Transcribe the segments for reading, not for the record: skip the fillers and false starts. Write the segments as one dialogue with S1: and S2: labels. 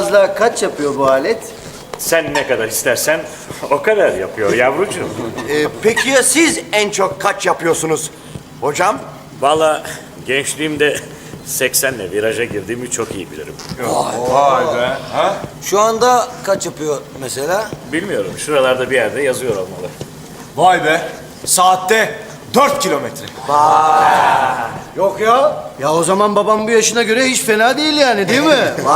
S1: fazla kaç yapıyor bu alet?
S2: Sen ne kadar istersen o kadar yapıyor yavrucuğum.
S3: Peki ya siz en çok kaç yapıyorsunuz hocam?
S2: Vallahi gençliğimde 80'le viraja girdiğimi çok iyi bilirim.
S4: Vay be. Ha?
S5: Şu anda kaç yapıyor mesela?
S2: Bilmiyorum, şuralarda bir yerde yazıyor olmalı.
S4: Vay be. Saatte 4 kilometre.
S1: Yok ya. Ya o zaman babam bu yaşına göre hiç fena değil yani, değil mi?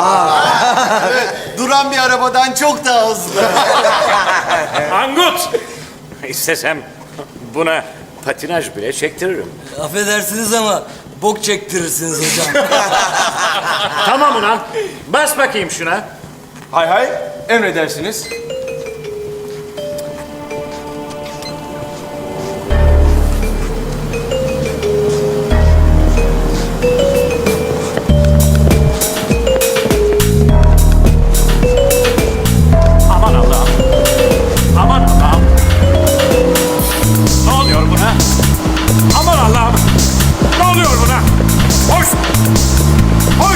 S3: Duran bir arabadan çok daha hızlı.
S2: Angut! İstesem buna patinaj bile çektiririm.
S5: Affedersiniz ama bok çektirirsiniz hocam.
S2: Tamam ulan, bas bakayım şuna.
S4: Hay hay. Emredersiniz.
S2: Aman Allah'ım. Aman Allah'ım. Ne oluyor buna? Aman Allah'ım. Ne oluyor buna? Hoş. Hoş.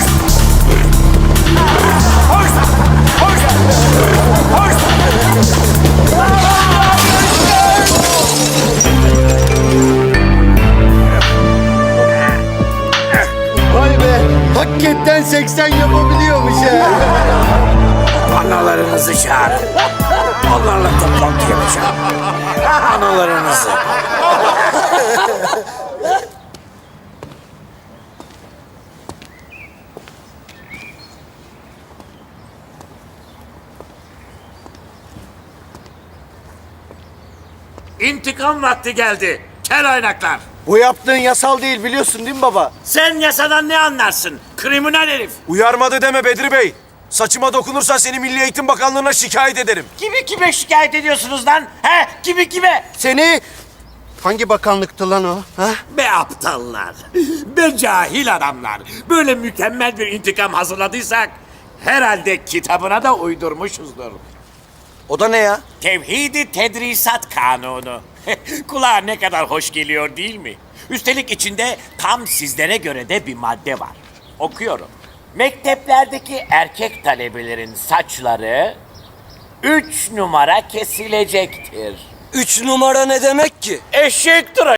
S2: Hoş. Hoş. Hoş.
S1: Vay be. Hakikaten 80 yapabiliyormuş ha.
S6: Analarınızı çağırın. Onlarla toplantı yapacağım. Analarınızı.
S2: İntikam vakti geldi. Kel oynaklar.
S1: Bu yaptığın yasal değil, biliyorsun değil mi baba?
S2: Sen yasadan ne anlarsın? Kriminal herif.
S4: Uyarmadı deme Bedri Bey. Saçıma dokunursan seni Milli Eğitim Bakanlığı'na şikayet ederim.
S6: Kimi kime şikayet ediyorsunuz lan? He? Kimi kime?
S1: Seni hangi bakanlıktı lan o? Ha?
S2: Be aptallar. Be cahil adamlar. Böyle mükemmel bir intikam hazırladıysak herhalde kitabına da uydurmuşuzdur.
S3: O da ne ya?
S2: Tevhid-i Tedrisat Kanunu. Kulağa ne kadar hoş geliyor değil mi? Üstelik içinde tam sizlere göre de bir madde var. Okuyorum. Mekteplerdeki erkek talebelerin saçları 3 numara kesilecektir.
S5: 3 numara ne demek ki?
S2: Eşek tıraşı.